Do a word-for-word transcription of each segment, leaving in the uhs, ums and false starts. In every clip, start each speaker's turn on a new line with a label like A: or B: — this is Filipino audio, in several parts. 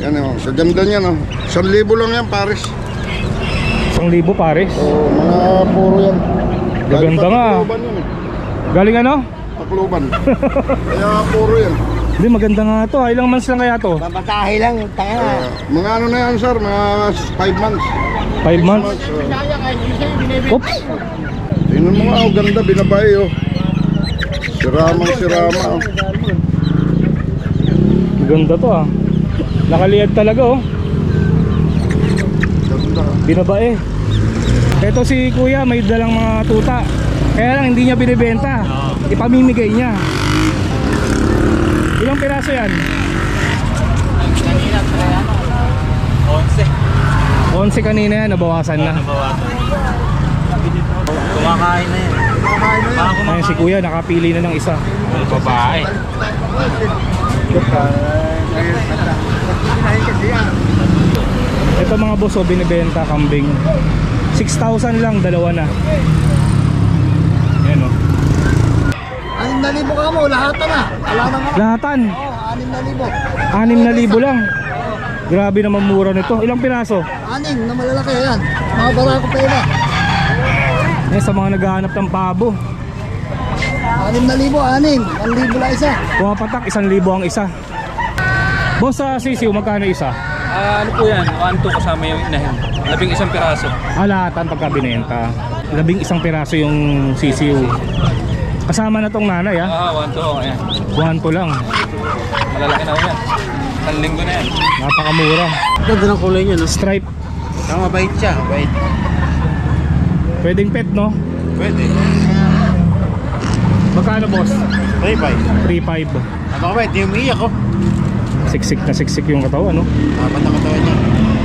A: Yan o, sa ganda niya no. Isang libo lang yan, pares.
B: Isang libo pares.
A: Oo, mga puro yan.
B: Gaganda nga.
A: Takluban yun eh.
B: Galing ano?
A: Takluban. Kaya puro yan.
B: Hindi, maganda nga to. Ah. Ilang months lang kaya to?
C: Babatahe lang, tanga na.
A: Uh, mga ano na yan sir, mga five months.
B: five months?
A: uh.
B: Oops.
A: Tingnan mo nga, oh, ganda, binabay oh. Siramang sirama oh.
B: Ganda to ah. Nakaliyad talaga oh.
A: Ganda.
B: Binabae. Ito si kuya may dalang mga tuta. Kaya lang hindi niya binibenta. Ipamimigay niya. Ilang piraso yan?
C: Kanina, onse.
B: onse kanina yan, nabawasan na.
C: Kumakain na yan. Kumakain na yan.
B: Ayun si kuya, nakapili na ng isa.
C: Babae.
B: Ito mga boss, oh, binibenta kambing. six thousand lang, dalawa na. Ayan oh.
C: Anim na libo ka mo, lahat na. Wala na nga.
B: Lahatan,
C: Oo, anim na libo.
B: anim na libo lang. Grabe naman mura nito. Ilang piraso?
C: Anim na malalaki yan. Mga barako pa iba.
B: Eh, sa mga naghahanap ng pabo.
C: Anim na libo, anim. Ang libo lang isa.
B: Pumapatak, isang libo ang isa. Boss, sa sisiw, magkano isa?
D: Ah, ano po yan? one two kasama yung inahin. Labing isang piraso.
B: Ah, lahatan pagka binenta. Labing isang piraso yung sisiw. Kasama na tong nanay ah.
D: Ah, one two. Oh, ayan.
B: One to lang.
D: Malalaki na ho yan. Isang linggo na yan.
B: Napakamura.
C: Ganda ng kulay niya, no?
B: Stripe.
C: Ang mabait siya, mabait.
B: Pwedeng pet, no?
C: Pwede.
B: Magkano, boss?
C: three five.
B: three five.
C: Ano ka ba? Hindi umiiyak ko.
B: Siksik na siksik yung katawan, no?
C: Dapat ang katawan niya.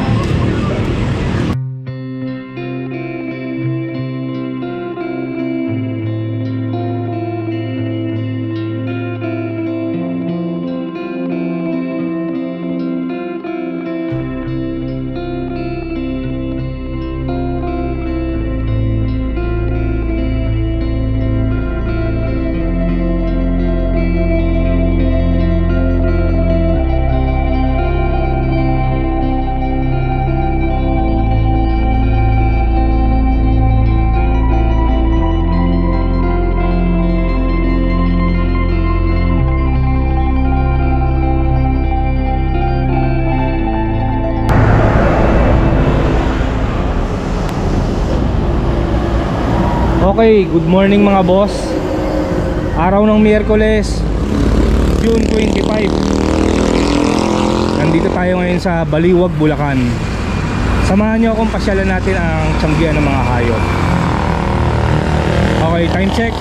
B: Okay, good morning mga boss. Araw ng Miyerkules, June twenty-five. Nandito tayo ngayon sa Baliwag, Bulacan. Samahan nyo akong pasyalan natin ang tiyanggian ng mga hayop. Okay, time check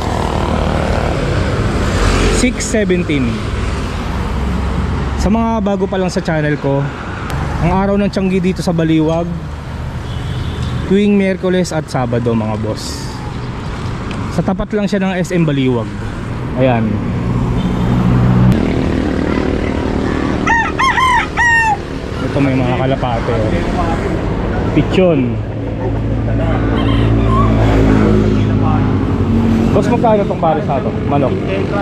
B: six seventeen. Sa mga bago pa lang sa channel ko, ang araw ng tiyanggi dito sa Baliwag tuwing Miyerkules at Sabado mga boss. Sa tapat lang siya ng S M Baliwag. Ayan. Ito may mga kalapate oh. Pichon. Boss, magkano itong pares na ito? Manok?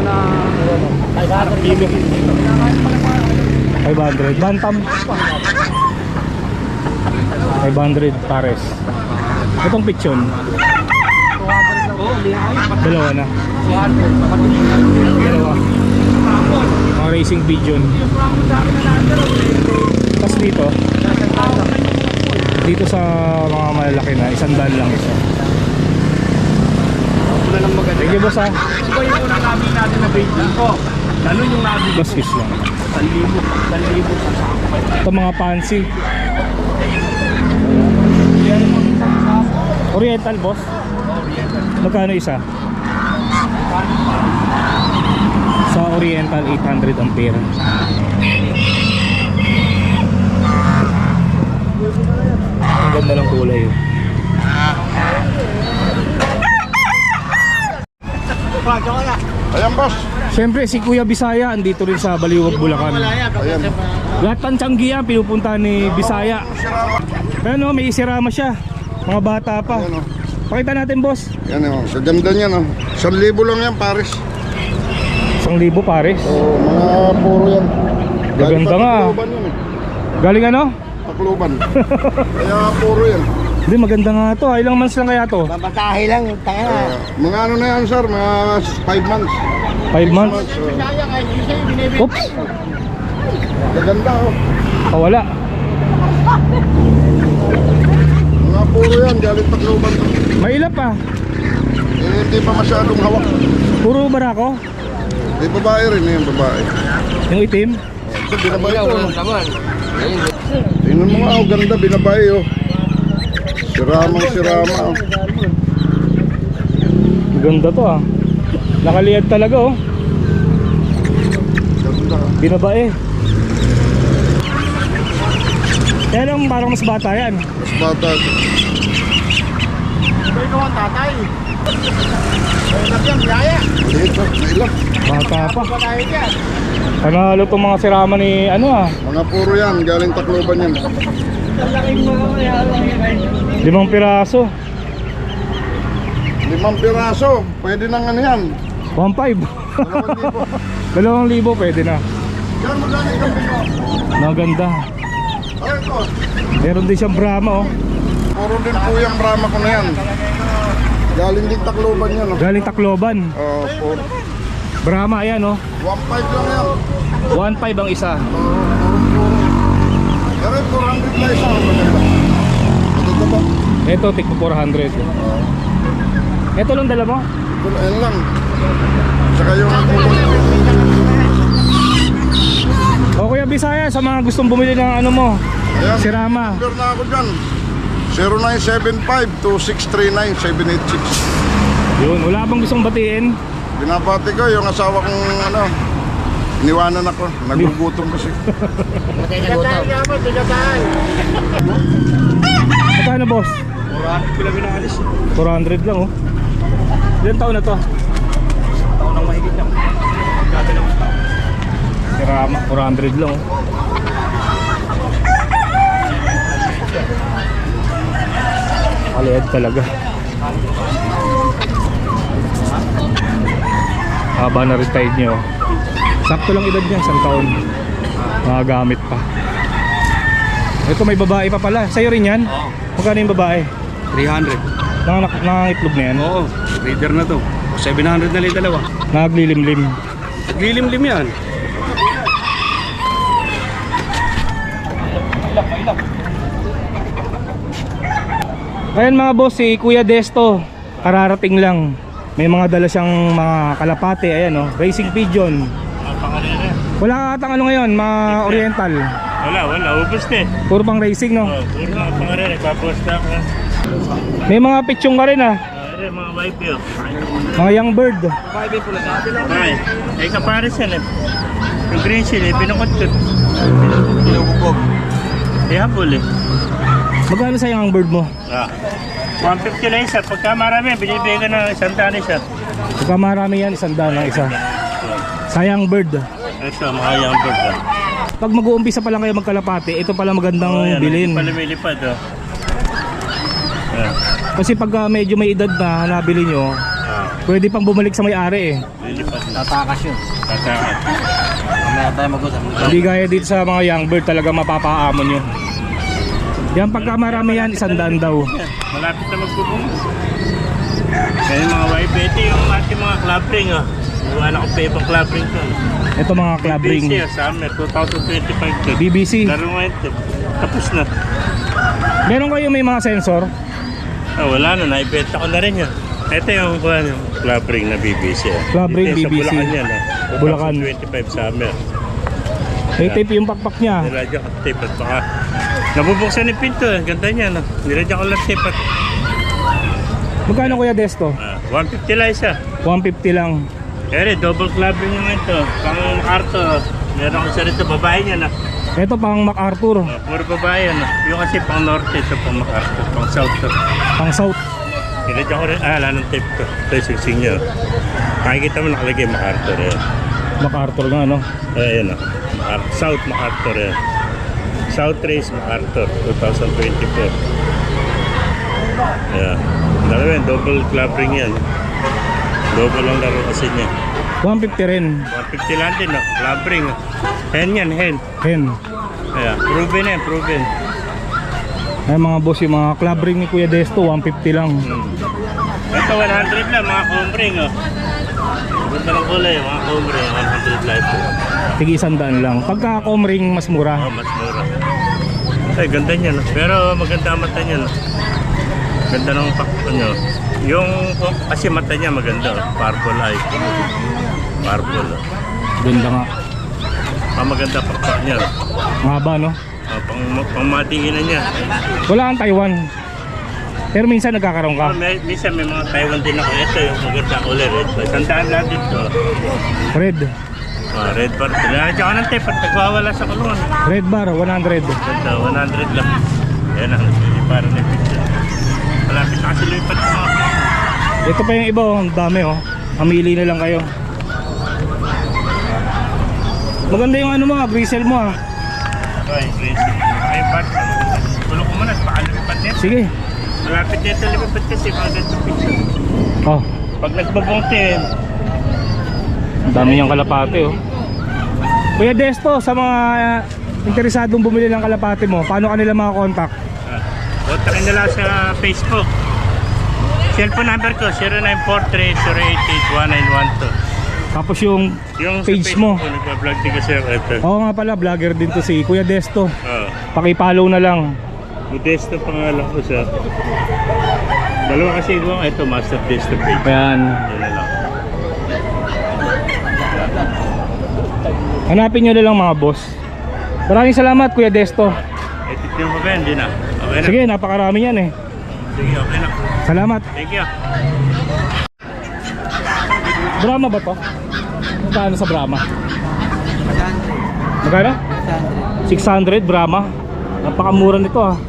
B: five hundred. Bantam? five hundred pares. Itong pichon? Dalawa na. Dalawa. Mga racing pigeon. Tapos dito, dito sa mga malalaki na, isang daan lang isa. Thank you, boss ha.
D: Ito yung unang nabi natin na bait ko. Ganun yung nabi.
B: Boss fish lang.
D: Salibo. Salibo sa sakopay.
B: Ito mga pansy. Oriental, boss. Magkano isa? Sa Oriental, eight hundred ampere. Ang ganda ng kulay.
A: Ayan boss.
B: Siyempre si Kuya Bisaya andito rin sa Baliwag, Bulacan.
A: Ayan.
B: Lahat ng tiyanggian pinupunta ni Bisaya. Pero may isirama siya. Mga bata pa.
A: Ayan, oh.
B: Pakita natin, boss.
A: Yan o, sa ganda niya no. Isang libo lang yan, pares.
B: Isang libo pares.
A: Oo, mga puro yan.
B: Gaganda nga.
A: Takluban yun eh.
B: Galing ano?
A: Tacloban. Kaya puro yan.
B: Hindi, maganda nga to. ah. Ilang months lang kaya to?
C: Babatahe lang, tanga na.
A: Ah, mga ano na yan sir, mga five months.
B: five months?
A: oh.
B: Oops!
A: Gaganda oh.
B: Kawala.
A: Mga puro yan, galing Tacloban.
B: Mailap pa.
A: Eh, hindi pa masyadong hawak.
B: Puro barako.
A: Di babae rin yan, babae.
B: Yung itim.
A: So, binabay ko. No? Tingnan mo nga, oh, ganda, binabay oh. Siramang sirama oh.
B: Ganda to ah. Nakaliyad talaga oh.
A: Ganda.
B: Binabae. Kaya lang parang mas bata yan.
A: Mas bata.
C: Ikaw ang tatay. Ilang yan, biyaya.
A: Maliit oh, nailap.
B: Bata pa.
C: Babatahe yan.
B: Panalo tong mga sirama ni ano ah.
A: Mga puro yan, galing Tacloban yan.
B: Limang piraso.
A: Limang piraso, pwede nang ano yan.
B: one five.
A: Dalawang libo.
B: Dalawang libo pwede na.
A: Yan, magkano yung kambing mo?
B: Maganda.
A: Ay, ito.
B: Meron din siyang Brahma oh.
A: Puro din po yung Brahma ko na yan. Galing din Tacloban yan. Oh.
B: Galing Tacloban.
A: Oh, puro.
B: Brahma ayan oh.
A: one five lang yan.
B: one five ang isa.
A: Oh, puro, puro. Pero four hundred na isa. Maganda. Maganda ba?
B: Ito tigpo four hundred. Ito lang dala mo?
A: Ito na, yan lang. Saka yung
B: O Kuya Bisaya, sa mga gustong bumili ng ano mo,
A: ayan.
B: sirama.
A: Number na ako dyan. zero nine seven five two six three nine seven eight six.
B: Yun, wala bang gustong batiin?
A: Binabati ko yung asawa kong ano, iniwanan ako. Nagugutom kasi.
C: Bigatahe nga mo, bigatahe.
B: Magkano boss? four hundred lang oh. Ilan taon na to?
D: Taon ng mahigit lang. Gabi lang.
B: Sirama, four hundred lang oh. Kaliad talaga. Haba na retired nyo. Sakto lang edad niya, isang taon. Mga gamit pa. Ito may babae pa pala. Sa'yo rin yan?
D: Oo.
B: Magkano yung babae?
D: three hundred.
B: Nanganak, nangangitlog na yan?
D: Oo. Reader na to. seven hundred na lang yung dalawa.
B: Naglilimlim.
D: Lilim-lim yan.
B: Ayan mga boss, si Kuya Desto kararating lang. May mga dala siyang mga kalapate. Ayan oh, racing pigeon. Wala atang ano ngayon, mga oriental.
E: Wala, wala. Ubus na eh.
B: Puro pang racing no.
E: Oh, puro mga pangalan. Ipaposta ko na.
B: May mga pitchong ka rin ah.
E: Ay, mga wife yun.
B: Mga young bird.
E: Ay, ay kapares yan eh. Yung green seal eh, pinukot-kot.
D: Pinububog.
E: Eh, hapol eh.
B: Magkano sa young bird mo?
E: Ah. one fifty lang isa. Pagka marami, binibigay ka ng isang tani siya.
B: Pagka marami yan, isang daan ang isa. Sa young bird.
E: Ito, mga young bird ah.
B: Pag mag-uumpisa pa lang kayo magkalapate, ito pala magandang
E: Oh, yan,
B: bilhin.
E: hindi pa lumilipad oh. Ah.
B: Kasi pag uh, medyo may edad na nabili nyo,
E: Ah.
B: pwede pang bumalik sa may-ari eh.
E: Lilipad na.
D: Tatakas yun.
E: Tatakas.
D: Mamaya tayo mag-usap.
B: Hindi gaya dito sa mga young bird, talaga mapapaamon nyo. Yan pagka marami yan, isang daan daw.
E: Yan, malapit na magpupunta. Kaya yung mga wife, ito yung ating mga club ring ah. Iwan ako pa ibang club ring to.
B: Ito mga club ring.
E: B B C ah, summer twenty twenty-five to.
B: B B C.
E: Laro ngayon to. Tapos na.
B: Meron kayo may mga sensor?
E: Ah, wala na, naibenta ko na rin yan. Ito yung, kuha, yung club ring na B B C ah.
B: Club ring
E: Dito
B: B B C.
E: Sa Bulacan yan ah.
B: Bulacan.
E: twenty twenty-five summer.
B: May tape yung pakpak niya.
E: Niladya ko tape at baka nabubuksan yung pinto eh. Ganda niya no. Niladya ko lang tape at
B: Magkano Kuya Desto?
E: ah, one fifty lang isa.
B: one fifty lang.
E: Ere, double club ring yung ito. Pang Arto. Meron ko sa rito, babae niya na.
B: Ito pang MacArthur,
E: Uh, puro babae yan. Uh. Yung kasi pang norte, ito pang MacArthur, pang south. To.
B: pang south.
E: Niladya ko rin, ah, wala ng tape ko. Ito yung singsing niya. Makikita mo nakalagay MacArthur yan.
B: MacArthur nga no.
E: Eh, yan o. Macar- South MacArthur yan. South Race MacArthur, twenty twenty-four. Yeah. Dalawa yan, double club ring yan. Double ang laro kasi niya.
B: one fifty rin.
E: one fifty lang din, no? Club ring. Hen yan, hen.
B: Hen.
E: Kaya, proven eh, proven.
B: Ay mga boss, yung mga club ring ni Kuya Desto, one fifty lang.
E: Hmm. Ito one hundred lang, mga combring oh. Ganda ng kulay, mga combring, one hundred life.
B: Sige, isang daan lang. Pagka com ring, mas mura.
E: Oh, mas mura. Ay, ganda niya no? Pero maganda ang mata niya no? Ganda ng pakto niya. Yung, oh, kasi mata niya maganda oh. Purple eye. Purple oh.
B: Ganda nga.
E: Ah, maganda pakto niya no?
B: Mahaba, no?
E: Oh, pang, pang matinginan niya.
B: Wala kang Taiwan. Pero minsan nagkakaroon ka.
E: Oh, may, minsan may mga Taiwan din ako. Ito yung maganda kulay red. Sandaan lang dito.
B: Red.
E: Oh, red bar. Tinanadya ko ng tape at nagwawala sa kulungan.
B: Red bar, one hundred.
E: Ganda, one hundred lang. Yan ang para na picture. Malapit na kasi lumipat sa mga.
B: Ito pa yung iba, oh. Ang dami, oh. Mamili na lang kayo. Maganda yung ano mo, ah, bristle mo, ah.
E: Okay, crazy. Ay, bat. Tulog ko muna, baka lumipat nito.
B: Sige.
E: Malapit nito lumipat kasi mga ganitong picture.
B: Oh,
E: Pag nagbabongte,
B: ang dami niyang kalapate, oh. Kuya Desto, sa mga uh, interesadong bumili ng kalapate mo, paano kanila makakontakt?
E: uh, kontakin nila sa Facebook. Cellphone number ko, zero nine four three, zero eight eight, one nine one two.
B: Tapos yung,
E: Yung sa
B: page
E: Facebook
B: mo.
E: ko, nagpa-vlog din kasi ako ito.
B: Oo nga pala, vlogger din to si Kuya Desto.
E: Oo.
B: Paki-follow na lang.
E: Modesto pangalan ko sa dalawa kasi ko ito master Desto page.
B: Ayan.
E: Yan na lang.
B: Hanapin nyo na lang mga boss. Maraming salamat Kuya Desto.
E: Eh, titignan mo ba yan? Hindi na. Okay na.
B: Sige, napakarami yan eh.
E: Sige, okay na.
B: Salamat.
E: Thank you.
B: Brahma ba to? Magkano sa Brahma? Magkano? six hundred Brahma. Napakamura nito ah.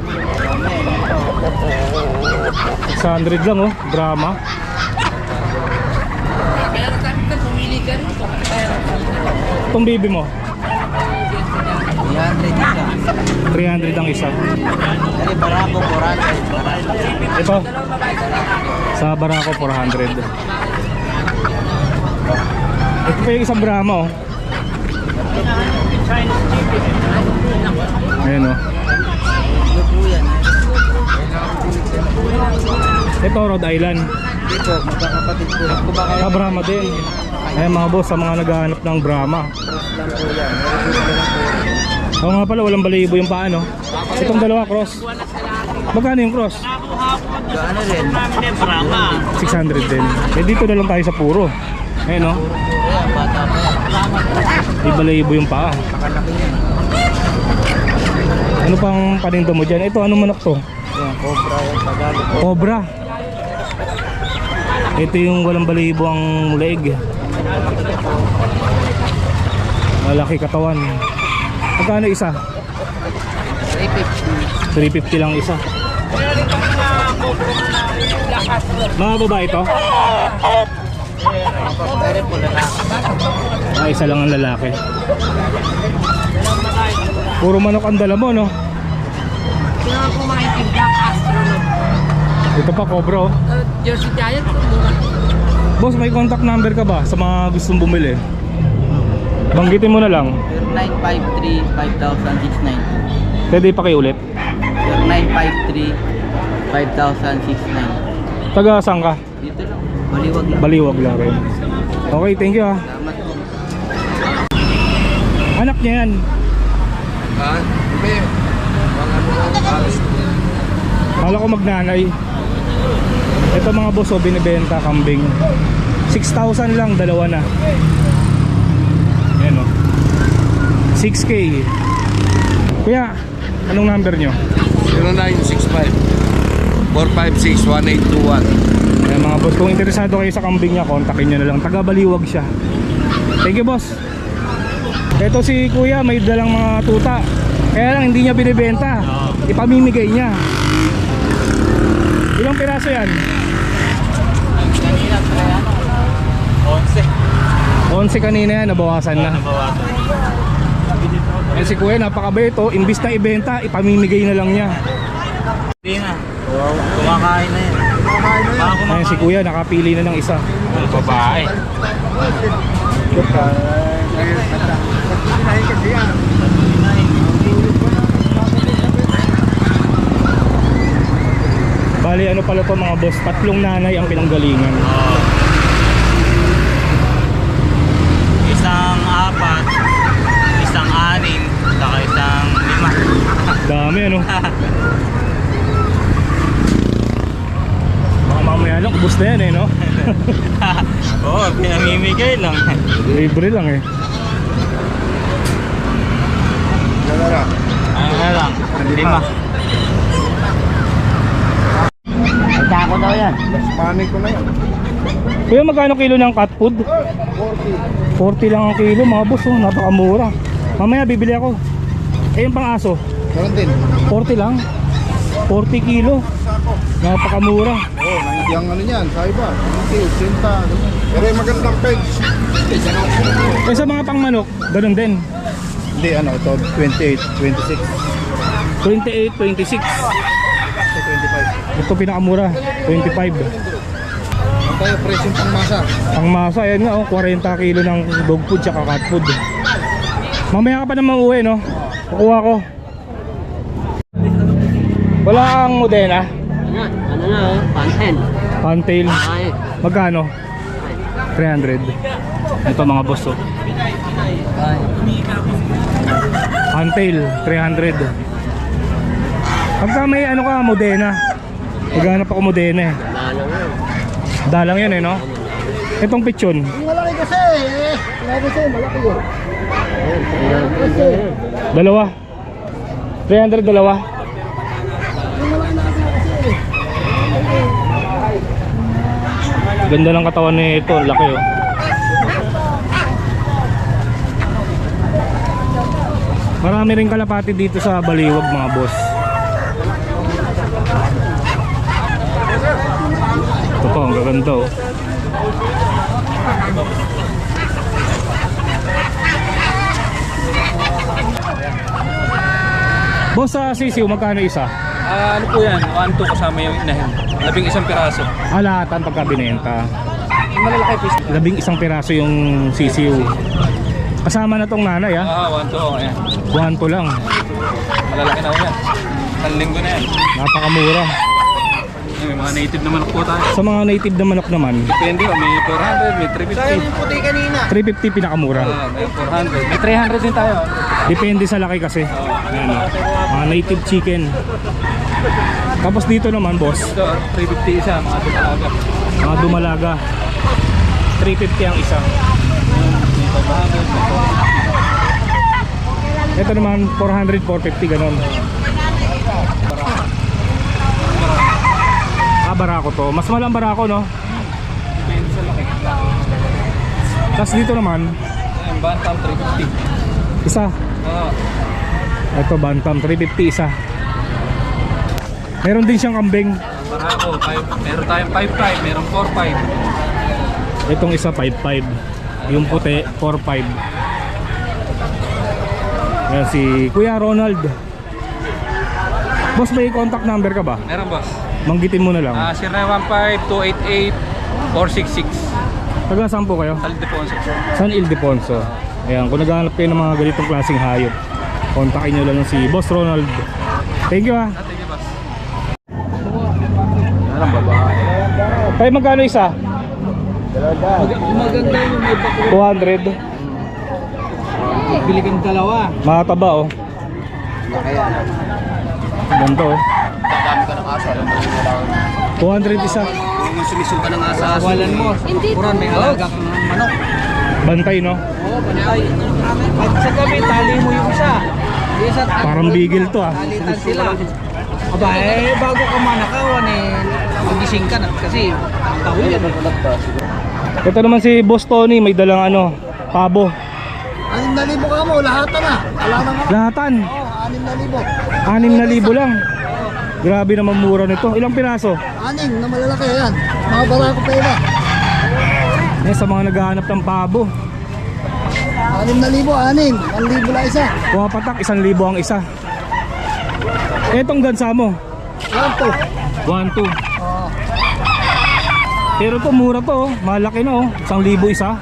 B: six hundred lang oh, Brahma. Itong baby mo? three hundred ang isa.
C: Dari Barako, four hundred.
B: Ito sa Barako four hundred. Ito pa yung isang Brahma oh. Ayan oh.
C: Ano po yan?
B: Ito Rhode Island.
C: Dito, magkakapatid po lang. Kung ba kayo?
B: Ah, Brahma din. Ayan mga boss, sa mga naghahanap ng Brahma.
C: Lang po yan.
B: Oo nga pala, walang balayibo yung paa no. Itong dalawa cross. Magkano yung cross?
C: Ano rin?
B: six hundred din. Eh dito na lang tayo sa puro. Ayan no.
C: Ayan, bata pa yan.
B: Di balayibo yung paa.
C: Nakalaki yan.
B: Ano pang paninda mo dyan? Ito, anong manok to?
C: Ayan, cobra yan. Tagalog po.
B: Cobra. Ito yung walang balayibo ang leg. Malaki katawan. Magkano isa?
C: three fifty.
B: three fifty lang isa. Mga babae ito?
C: Pwede po lang.
B: Ah, isa lang ang lalaki. Puro manok ang dala mo, no?
F: Kailangan ko makikip Black Astronaut.
B: Ito pa, Cobra, oh.
F: Uh, Jersey Giant po muna.
B: Boss, may contact number ka ba sa mga gustong bumili? Banggitin mo na lang.
C: zero nine five three, five thousand six nine two.
B: Pwede pakiulit.
C: zero nine five three, five thousand six nine.
B: Taga saan ka?
C: Dito lang. Baliwag lang.
B: Baliwag lang rin. Okay, thank you ah.
C: Salamat po.
B: Anak niya yan.
A: Ha? Hindi.
B: Kala ko magnanay. Ito mga boss, oh, binibenta kambing. six thousand lang, dalawa na. Ayan o. six K. Kuya, anong number nyo?
A: zero nine six five, four five six, one eight two one.
B: Ayan mga boss, kung interesado kayo sa kambing niya, kontakin nyo na lang. Taga Baliwag siya. Thank you boss. Ito si kuya, may dalang mga tuta. Kaya lang hindi niya binibenta. Ipamimigay niya. Ilang piraso yan?
C: Kanina, kaya ano? Onse.
B: onse kanina yan, nabawasan na. Eh si kuya, napakabait oh. Imbis na ibenta, ipamimigay na lang niya.
C: Hindi na. Kumakain na yan. Kumakain na yan.
B: Ayan si kuya, nakapili na ng isa.
E: Babae.
B: ano pala to mga boss, tatlong nanay ang pinanggalingan.
C: Oo. Isang apat, isang anim, saka isang lima.
B: Dami ano. Baka mamaya lang, ubos na yan eh no.
C: Oo, pinamimigay lang.
B: Libre lang eh.
A: Gagara.
C: Ano na lang, lima.
F: Tako daw yan.
A: Last money ko na yan.
B: Kuya, magkano kilo ng cat food?
A: forty.
B: forty lang ang kilo mga boss, oh, napakamura. Mamaya bibili ako. Eh yung pang aso,
A: Meron din.
B: forty lang. forty kilo. Napakamura.
A: Oo, ninety ang ano niyan, sa iba. ninety, eighty, ganyan. Pero yung magandang page.
B: Eh sa mga pangmanok, ganun din.
A: Hindi, ano, ito, twenty-eight, twenty-six,
B: twenty-eight, twenty-six.
A: twenty-five.
B: Ito pinakamura, twenty-five.
A: Ang tayo, presyong pangmasa.
B: Ang masa, ayan nga oh, forty kilo ng dog food tsaka cat food. Mamaya ka pa naman uuwi no? Kukuha ko. Wala ang Modena?
F: Ano? Ano na oh? Panten.
B: Pantail.
F: Ay.
B: Magkano? three hundred. Ito mga boss oh. Pantail, three hundred. Pagka may ano ka, Modena. Maghanap ako Modena eh.
F: Ano nga?
B: Dalang yan eh no? Itong pichon.
A: Malaki kasi eh. Malaki kasi, malaki yun.
B: Dalawa. three hundred dalawa. Ganda ng katawan nito, laki oh. Marami rin kalapati dito sa Baliwag mga boss. Ito po, ang gaganda oh. Boss, sa sisiw, magkano isa?
D: Ah, ano po yan? one two kasama yung inahin. Labing isang piraso.
B: Alatan pagka binenta.
D: Yung malalaki piece.
B: Labing isang piraso yung sisiw. Kasama na tong nanay ha.
D: Ah, one two. Oh, ayan.
B: one to lang.
D: Malalaki na ho yan. Isang linggo na yan.
B: Napakamura.
D: Ay, may mga native naman po tayo.
B: Sa mga native na manok naman,
D: Depende oh, may four hundred, may three fifty.
B: three fifty pinakamura.
D: Ah, may four hundred. May three hundred din tayo.
B: Depende sa laki kasi. Ayan, oh. Mga native chicken. Tapos dito naman boss,
D: Ito, three fifty isa, mga dumalaga.
B: mga dumalaga. three fifty ang isa. Ito naman four hundred, four fifty ganon. Ah, barako to. Mas malang barako no?
D: Depende sa laki.
B: Tapos dito naman,
D: Ayan, bantam, three fifty.
B: isa.
D: Ah,
B: Ito bantam, three fifty isa. Meron din siyang kambing.
D: barako, five. Meron tayong five five, meron four five.
B: Itong isa five five. Yung puti four five. Yan si Kuya Ronald. Boss, may contact number ka ba?
D: Meron boss.
B: Manggitin mo na lang.
D: Ah, zero nine one five, two eight eight, four six six.
B: Taga saan po kayo?
D: Aldefonso.
B: San Ildefonso. Ayan, kung naghahanap kayo ng mga ganitong klaseng hayop, kontakin nyo lang si Boss Ronald. Thank you ha.
D: Ah, thank you boss.
B: Tayo magkano isa?
F: Maganda yung may bako.
B: two hundred.
F: Bili kang dalawa.
B: Makataba oh. Ganito oh. two hundred isa.
F: Kung sumisuka ng asa. Walan mo. Puran, may alaga kang manok.
B: Bantay no?
F: Oo, bantay. Pag sa gabi, tali mo yung isa. Isa,
B: Parang bigil to ah.
F: talitan sila. Aba, eh, bago ka manakawan eh, magising ka na kasi taon yan.
B: Ito naman si Boss Tony, may dalang ano, pabo.
A: Anim na libo ka mo, lahat na. Wala na nga.
B: Lahatan,
A: Oo, anim na libo.
B: anim na libo lang. Grabe naman mura nito. Ilang piraso?
A: Anim na malalaki yan. Mga barako pa iba.
B: Yan sa mga naghahanap ng pabo.
A: Anim na libo, anim. Ang libo lang isa.
B: Pumapatak, isang libo ang isa. Etong gansa mo,
A: Yan to.
B: one, two.
A: Oo.
B: Pero to mura to, oh. Malaki na oh. Isang libo isa.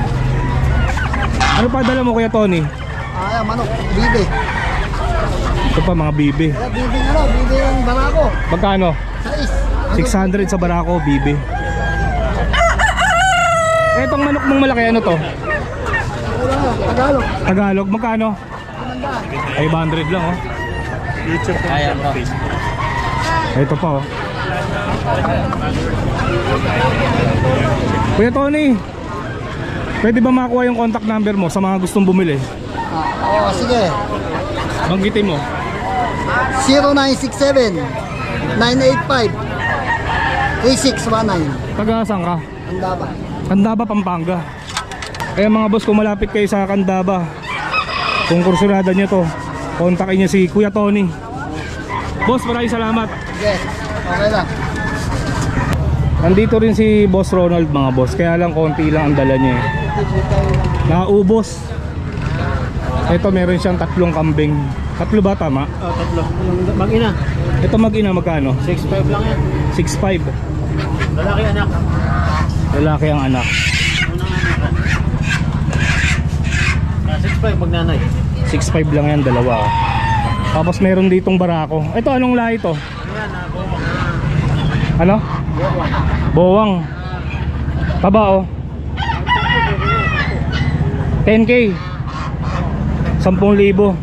B: Ano pa dala mo Kuya Tony?
A: Ah, manok, bibe.
B: Ito pa mga bibi.
F: Kaya bibing ano, bibing barako.
B: Magkano?
F: Sais.
B: six hundred sa Barako, bibi. Etong manok mong malaki, ano to?
F: Tagalog.
B: Tagalog, magkano? five hundred lang oh.
E: YouTube ko.
C: Ayan po.
B: Ito pa oh. Kuya Tony, pwede ba makuha yung contact number mo sa mga gustong bumili?
F: Ah, oh, sige.
B: Banggitin mo.
F: zero nine six seven nine eight five three six one nine.
B: Taga saan ka?
F: Andaba.
B: Candaba, Pampanga. Kaya mga boss, kung malapit kayo sa Candaba, kung kursulada nyo to, kontakin nyo si Kuya Tony. Boss, maraming salamat.
F: Yes. Okay lang.
B: Nandito rin si Boss Ronald mga boss, kaya lang konti lang ang dala niya eh. Naubos. Ito meron siyang tatlong kambing. Tatlo ba tama?
C: Oh, tatlo. Mag-ina.
B: Ito mag-ina magkano?
C: six five lang yan.
B: six five.
C: Lalaki anak.
B: Lalaki ang anak.
C: six five pag nanay.
B: six five lang yan, dalawa. oh. Tapos meron ditong Barako. Ito anong lahi to? Ano? Bowang. Taba oh. ten K. ten thousand.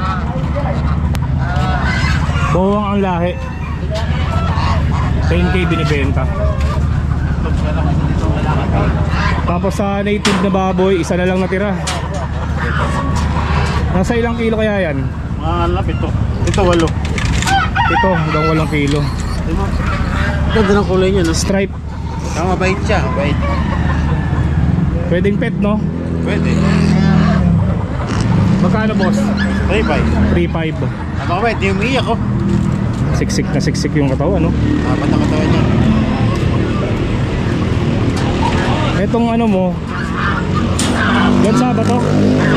B: Bowang ang lahi. ten K binibenta. Tapos sa native na baboy, isa na lang natira. Nasa ilang kilo kaya yan?
E: Mga alap ito. Ito walo.
B: Ito hanggang walong kilo.
C: Ganda ng kulay niya, no?
B: Stripe.
C: Ang mabait siya, mabait.
B: Pwedeng pet no?
E: Pwede.
B: Magkano boss?
E: three five.
B: three five.
E: Ano ka ba? Hindi umiiyak ko.
B: Siksik na siksik yung katawan no?
E: Dapat ang katawan niya.
B: Etong ano mo, gansa ba to?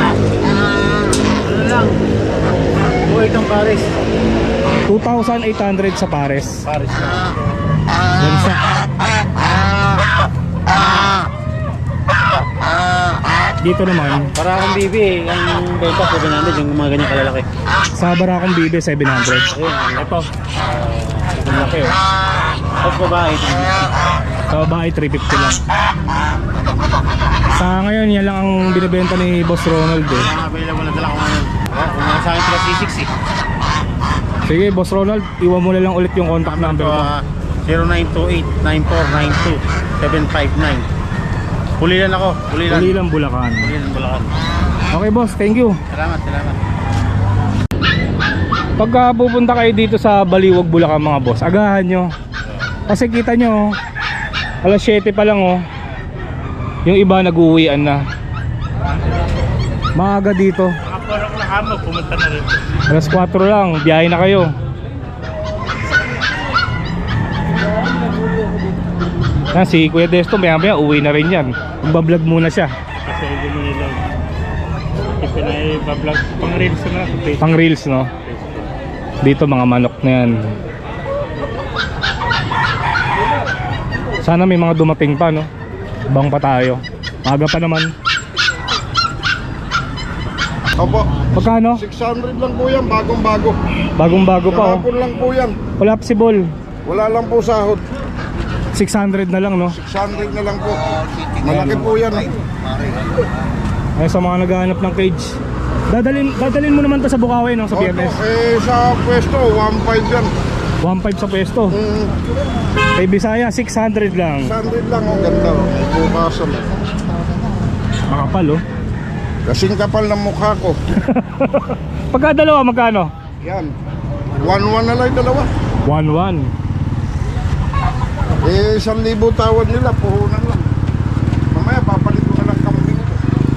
C: Ano lang? Buhay itong Paris.
B: two thousand eight hundred sa pares.
E: Paris na.
B: Gansa. Dito naman,
C: Para akong bibi, ang benta seven hundred, yung mga ganyan kalalaki.
B: sa Barakong Bibe seven hundred.
C: Ayun,
B: Ito,
C: ang laki oh. Tapos babae,
B: sa babae three fifty lang. Sa ngayon, yan lang ang binibenta ni Boss Ronald eh.
E: Ang available na dala ko ngayon. Oh, kung mga sa akin sila C six eh.
B: Sige Boss Ronald, iwan mo na lang ulit yung contact number mo.
E: zero nine two eight nine four nine two seven five nine. Pulilan ako. Pulilan.
B: Ulilang Bulacan.
E: Pulilan Bulacan.
B: Okay boss, thank you.
E: Salamat, salamat.
B: Pagka pupunta kayo dito sa Baliwag, Bulacan mga boss, agahan nyo. Kasi kita nyo, alas siyete pa lang oh. Yung iba nag-uwian na. Maaga dito.
E: Mga porok na kamo, pumunta na rin.
B: Alas kwatro lang, biyahe na kayo. Ah, si Kuya Desto, maya maya uwi na rin yan. Magbablog muna siya.
E: Kasi gano'n nila. Ipinay-bablog. Pang reels na ako.
B: Pang reels no. Dito mga manok na yan. Sana may mga dumating pa no. Bang pa tayo. Maga pa naman.
A: Opo,
B: Pagkano?
A: six hundred lang po yan, bagong-bago.
B: Bagong bago pa oh.
A: Kahapon lang po yan.
B: Wala pa si Bol.
A: Wala lang po sahod.
B: six hundred na lang no.
A: six hundred na lang po. Malaki po yan eh.
B: Ay sa mga naghahanap ng cage. Dadalin dadalin mo naman to sa Bukawi no sa
A: Opo,
B: Biyernes.
A: eh sa pwesto, one five yan.
B: one five sa pwesto.
A: Mm,
B: Kay Bisaya six hundred lang.
A: six hundred lang, ang ganda. Oh. May bukasan.
B: Makapal oh.
A: Kasing kapal ng mukha ko.
B: Pagka dalawa magkano?
A: Yan. one one na lang dalawa.
B: one one.
A: Eh, isang libo tawad nila, puhunan lang. Mamaya, papalit ko na lang kambing ko.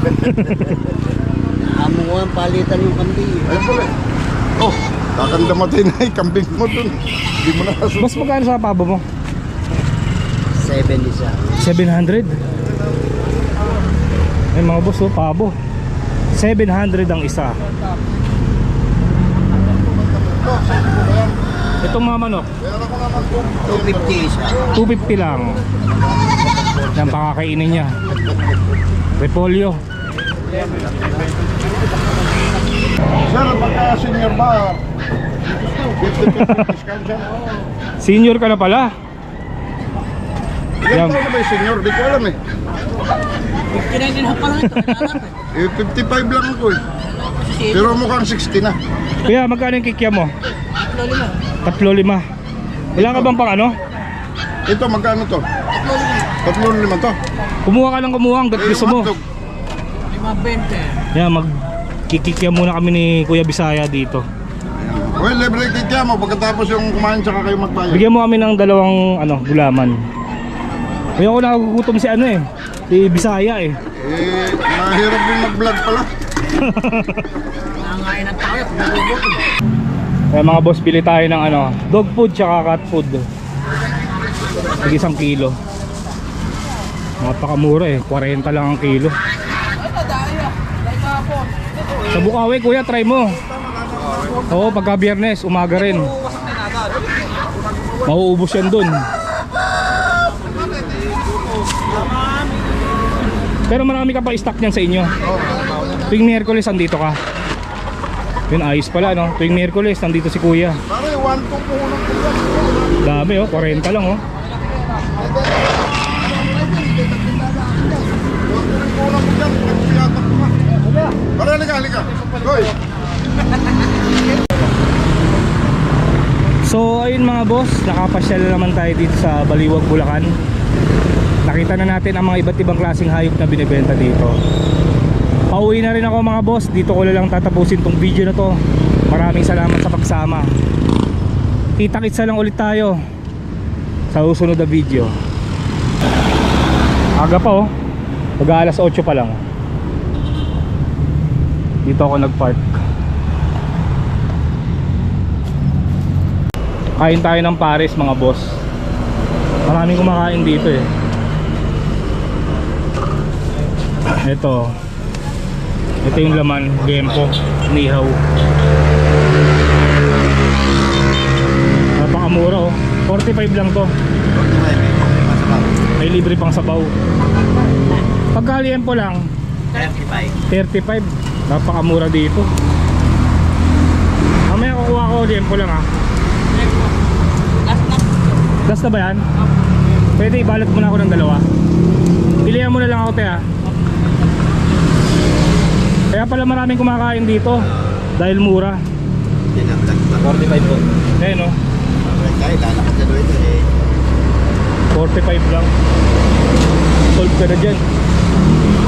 F: Amo ko ang palitan yung kambing.
A: Ayun pala. Oh, kakandamatay na yung kambing mo dun. Hindi mo na kasunod.
B: Boss magkano sa pabo mo?
F: seven isa.
B: seven hundred. Ay mga boss oh, pabo. seven hundred ang isa. Itong mga manok,
F: two fifty isa.
B: two fifty lang. Yan pakakainin niya. Repolyo.
A: Sir, pagka senior ba, fifty fifty discount siya?
B: Senior ka na pala.
A: Ilan
B: Yan.
A: taon na ba yung senior? Di ko alam eh.
F: fifty-nine and a half pa lang ito. Kailangan eh.
A: Eh, fifty-five lang ako eh. Pero mukhang sixty na.
B: Kuya, magkano yung kikya mo?
F: Tatlo lima.
B: Tatlo lima. Wala ka bang pang ano?
A: Ito, magkano to?
F: Tatlo lima.
A: Tatlo lima to.
B: Kumuha ka lang kumuha hanggat
A: Eh,
B: gusto
A: yung
B: mo.
A: hotdog.
F: Lima bente.
B: Yan, mag kikikya muna kami ni Kuya Bisaya dito.
A: Well, libre kikya mo pagkatapos yung kumain tsaka kayo magbayad.
B: Bigyan mo kami ng dalawang ano, gulaman. Kuya, ako nagugutom si ano eh. Si Bisaya eh.
A: Eh, mahirap din mag-vlog pala.
F: Nangangain ng tao. Pumubok.
B: Kaya mga boss, bili tayo ng ano, dog food tsaka cat food. Tig isang kilo. Napakamura eh, forty lang ang kilo. Sa Bukawi, kuya, try mo. Oo, pagka Biyernes, umaga rin. Mauubos yan dun. Pero marami ka pa stock niyan sa inyo. Tuwing Miyerkules, andito ka. Yun, ayos pala, no? Tuwing Miyerkules, nandito si kuya.
A: Pare, one two puhunan ko yan.
B: Dami, oh, forty lang, oh.
A: Puhunan ko yan. Nagpiyatak ko nga. Pare, halika, halika. Hoy.
B: So ayun mga boss, nakapasyal naman tayo dito sa Baliwag, Bulacan. Nakita na natin ang mga iba't ibang klaseng hayop na binibenta dito. Pauwi na rin ako mga boss, dito ko na lang tatapusin tong video na to. Maraming salamat sa pagsama. Kita-kitsa lang ulit tayo sa susunod na video. Aga pa oh, mag alas otso pa lang. Dito ako nagpark. Kain tayo ng pares mga boss. Maraming kumakain dito eh. Ito. Ito yung laman, gempo, nihaw. Napakamura oh. forty-five lang to. May libre pang sabaw. Pagka liempo lang
F: thirty-five.
B: thirty-five. Napakamura dito. Mamaya kukuha ko liempo lang ah.
F: Last na.
B: Last na ba yan? Pwede ibalot mo na ako ng dalawa. Pilihan mo na lang ako te ha. Kaya pala maraming kumakain dito dahil mura.
C: forty-five po.
B: Eh no, forty-five lang. Solve ka na dyan.